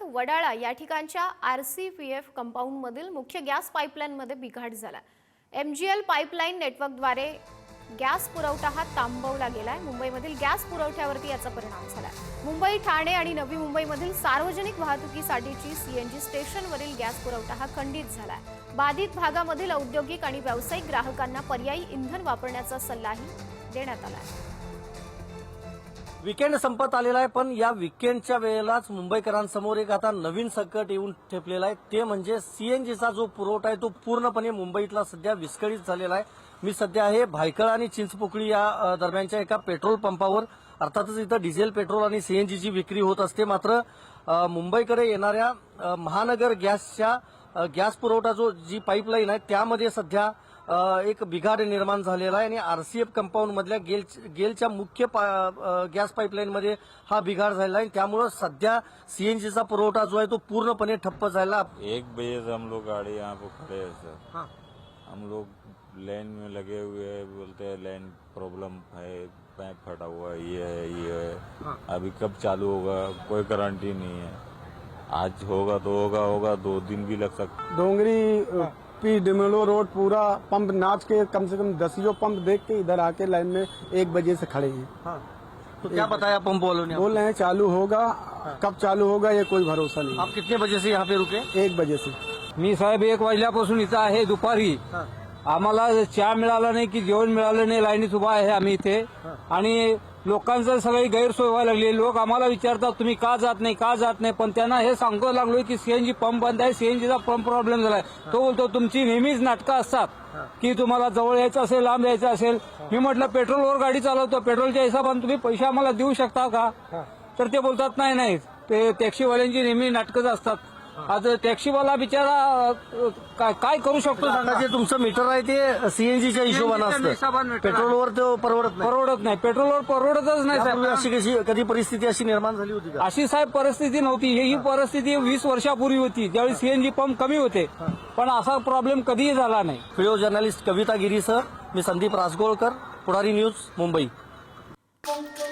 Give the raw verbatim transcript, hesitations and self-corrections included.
वडाळा या ठिकाणच्या आरसीपीएफ कंपाऊंडमधील मुख्य गॅस पाईपलाईनमध्ये बिघाड झाला। एमजीएल पाईपलाईन नेटवर्कद्वारे गॅस पुरवठा हा थांबवला गेलाय। मुंबईमधील गॅस पुरवठ्यावरती याचा परिणाम झाला। मुंबई, ठाणे आणि नवी मुंबईमधील सार्वजनिक वाहतुकीसाठीची सीएनजी स्टेशनवरील गॅस पुरवठा हा खंडित झाला। बाधित भागामधील औद्योगिक आणि व्यावसायिक ग्राहकांना पर्यायी इंधन वापरण्याचा सल्लाही देण्यात आला आहे। वीकेंड संपत आलेला आहे, पण या वीकेंडच्या वेळेलाच मुंबईकरांसमोर एक आता नवीन संकट येऊन ठेपलेलं आहे। ते म्हणजे सीएनजीचा जो पुरवठा आहे तो पूर्णपणे मुंबईतला सध्या विस्कळीत झालेला आहे। मी सध्या आहे भायखळा आणि चिंचपोकळी या दरम्यानच्या एका पेट्रोल पंपावर। अर्थातच इथं डिझेल, पेट्रोल आणि सीएनजीची विक्री होत असते, मात्र मुंबईकडे येणाऱ्या महानगर गॅसच्या गॅस पुरवठा जो जी पाईपलाईन आहे त्यामध्ये सध्या एक बिघाड निर्माण झालेला आहे आणि आरसीएफ कंपाऊंड मधल्या गेल गेलच्या मुख्य गॅस पाईपलाईनमध्ये हा बिघाड झालेला आहे। त्यामुळे सध्या सीएनजीचा पुरवठा जो आहे तो पूर्णपणे ठप्प झाला। एक बजे से हम लोग गाड़ी यहाँ पे खड़े हैं सर। हाँ। हम लोग लाइन में लगे हुए हैं, बोलते हैं लाइन प्रॉब्लम है, पाइप फटा हुआ है, ये है ये है। हाँ। अभी कब चालू होगा कोई गारंटी नहीं है। आज होगा तो होगा होगा दो दिन भी लग सकता। डोंगरी पी डिमेलो रोड पूरा पंप नाच के कम से कम दसियों पंप देख के इधर आके लाइन में एक बजे से खड़े हैं। हाँ। तो क्या बताया पंप वालों ने? बोल रहे हैं चालू होगा। हाँ। कब चालू होगा ये कोई भरोसा नहीं। आप कितने बजे से यहाँ पे रुके? एक बजे से। मी साहेब एक वाजल्यापासून इथं आहे दुपारी। आम्हाला चहा मिळाला नाही की जेवण मिळालं नाही, लाईनीत उभा आहे आम्ही इथे आणि लोकांचं सगळी गैरसोय व्हायला लागली। लोक आम्हाला विचारतात तुम्ही का जात नाही का जात नाही, पण त्यांना हे सांगतो लागलोय की सीएनजी पंप बंद आहे, सीएनजीचा पंप प्रॉब्लेम झालाय। तो बोलतो तुमची नेहमीच नाटकं असतात की तुम्हाला जवळ यायचं असेल, लांब यायचं असेल। मी म्हटलं पेट्रोलवर गाडी चालवतो, पेट्रोलच्या हिशोबाने तुम्ही पैसे आम्हाला देऊ शकता का? तर ते बोलतात नाही नाही, ते टॅक्सीवाल्यांची नेहमी नाटकंच असतात। आज टॅक्सीवाला बिचारा काय करू शकतो? जे तुमचं मीटर आहे ते सीएनजीच्या हिशोबाने असतं, पेट्रोलवर तो परवडत नाही। परवडत नाही, पेट्रोलवर परवडतच नाही साहेब। अशी कशी कधी परिस्थिती अशी निर्माण झाली होती का? अशी साहेब परिस्थिती नव्हती। ही परिस्थिती वीस वर्षापूर्वी होती, ज्यावेळी सीएनजी पंप कमी होते, पण असा प्रॉब्लेम कधीही झाला नाही। व्हिडिओ जर्नलिस्ट कविता गिरीसह मी संदीप रासगोळकर, पुढारी न्यूज, मुंबई।